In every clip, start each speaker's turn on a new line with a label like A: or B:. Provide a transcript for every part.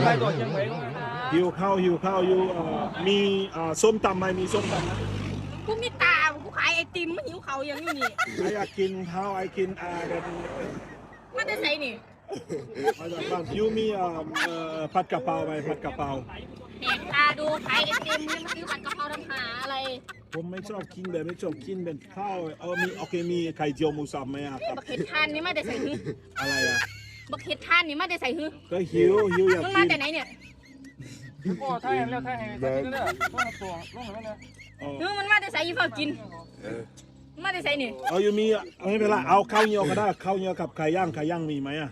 A: ไปต่อยังไง
B: หิวข้าวอยู่มีส้มตำไหมมีส้มตำไหม
C: กูมีตากูขายไอติมมันหิวเขาอย่างนี้นี่
B: ไออยากกินข้าวไอกินเดน
C: มันจะใส่นี่
B: มาจากบ้านยูมีผัดกะเพราไหมผัดกะเพรา
C: แหกตาดูขายไอติมนี่มันซื้อผัดกะเพราทำหาอะไร
B: ผมไม่ชอบกินแบบไม่ชอบกินเป็นข้าวมีโอเคมีไข่เจียวหมูสับไหมครับ
C: บักเห็ดทานนี่มาแต่ใส่หื้อ
B: อะไรอ่ะ
C: บักเห็ดทานนี่มาแต่ใส่หื้อ
B: ก็หิวอยาก
C: มัน
B: กิ
C: มาน แต่ไหนเนี่ย
A: ก็ถ้าเห็นแล้วถ้าเห็นเนี่ยต้องตัวลงแล้วเนี่ย
C: หื้อมันมาแต่ใส่ยี่ห้อกินมาแต่ใส่นี่
B: ยูมีไม่เป็นไรเอาข้าวเหนียวก็ได้ข้าวเหนียวกับไก่ย่างมีไหมอ่ะ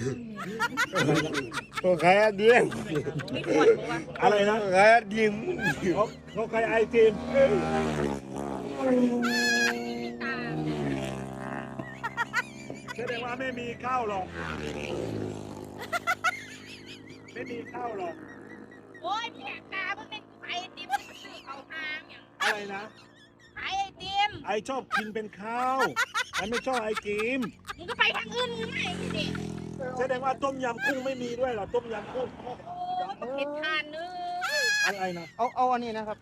D: ก็แค่เดียง
C: มีขวดบอกว่า
B: อะไรนะ
D: แค่เดียง
B: เขาไก่ไอติม
C: ตา
B: แสดงว่าไม่มีข้าวหรอกไม่มีข้าวหรอก
C: โอ้ยแหกตามันเป็นขายไอติมมันซื้อเขาทางอย่าง
B: อะไรนะ
C: ขายไอติม
B: ไอชอบกินเป็นข้าวไอไม่ชอบไอกิม
C: มึงก็ไปทางอื่นมึงไม่ดิ
B: แสดงว่าต้มยำกุ้งไม่มีด้วยเหรอต้มยำกุ้ง
C: โอ้ยบักเห็ดทานเนื้อ
B: อะไรนะ
D: เอาอันนี้นะครับ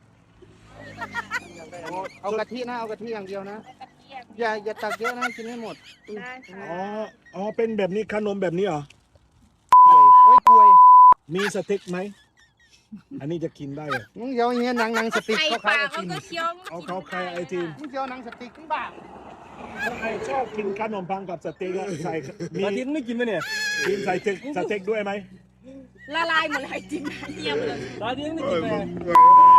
D: เอากะทินะเอากะทิอย่างเดียวนะ
C: กระเทียม
D: อย่าตักเยอะนะกินให้หมด
C: ได้ค่ะ
B: อ๋อเป็นแบบนี้ขนมแบบนี้เหรอ
D: ไว้กลวย
B: มีสเต็กไหมอันนี้จะกินได้เหรอ
D: มึงเดี๋ยวอย่างเงี้ยหนังสติ๊ก
C: ใส่
D: เขา
C: ปา
D: ขาย
C: ก
D: ไอ
C: มัน
D: ติม
C: ก็เคี้ยว
B: เอาเขาใครไอติม
D: มึงเดี๋ยวหนังสติ๊กมึงบ้า
B: ถ้าไอชอบกินขนมปังกับสเต็กอะใส่มี
A: อาทิตย์ไม่กินไหมเนี่ย
B: กินใส่สเต็กด้วยไหม
C: ละลายหมดเลยไอติมเทียมเลย
A: อาทิตย์ไม่กินไหม
B: เ